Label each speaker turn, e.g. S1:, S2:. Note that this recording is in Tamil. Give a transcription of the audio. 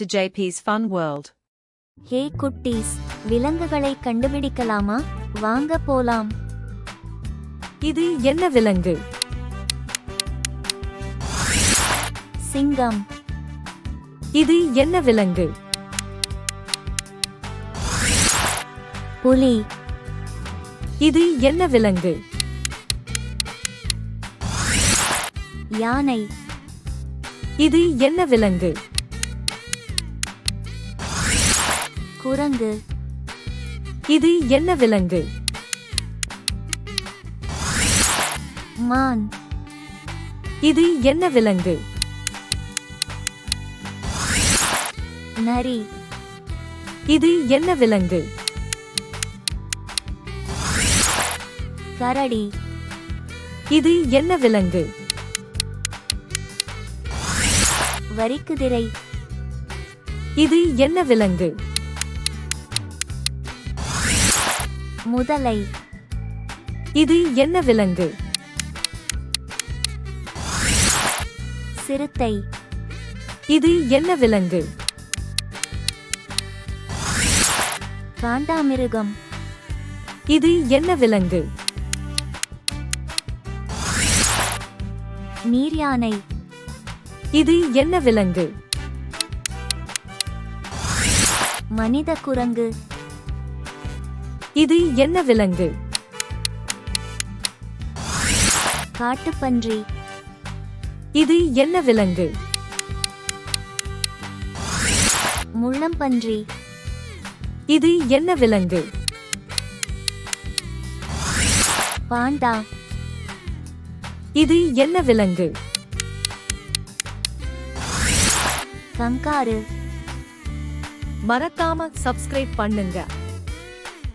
S1: to JP's Fun World.
S2: ஹே குட்டீஸ், விலங்குகளை கண்டுபிடிக்கலாமா? வாங்க போலாம்.
S1: இது என்ன விலங்கு?
S2: சிங்கம்.
S1: இது என்ன விலங்கு?
S2: புலி.
S1: இது என்ன விலங்கு?
S2: யானை.
S1: இது என்ன விலங்கு?
S2: குரங்கு.
S1: இது என்ன விலங்கு?
S2: மான்.
S1: இது என்ன விலங்கு?
S2: நரி.
S1: இது என்ன விலங்கு?
S2: கரடி.
S1: இது என்ன விலங்கு?
S2: வரிக்குதிரை.
S1: இது என்ன விலங்கு?
S2: முதலை.
S1: இது என்ன விலங்கு?
S2: சிறுத்தை.
S1: இது என்ன விலங்கு?
S2: காண்டாமிருகம்.
S1: இது என்ன விலங்கு?
S2: நீர்யானை.
S1: இது என்ன விலங்கு?
S2: மனித குரங்கு.
S1: இது என்ன விலங்கு?
S2: காட்டுப்பன்றி.
S1: இது என்ன விலங்கு?
S2: முள்ளம்பன்றி.
S1: இது என்ன விலங்கு?
S2: பாண்டா.
S1: இது என்ன விலங்கு?
S2: கங்காரு.
S1: மறக்காம சப்ஸ்கிரைப் பண்ணுங்க.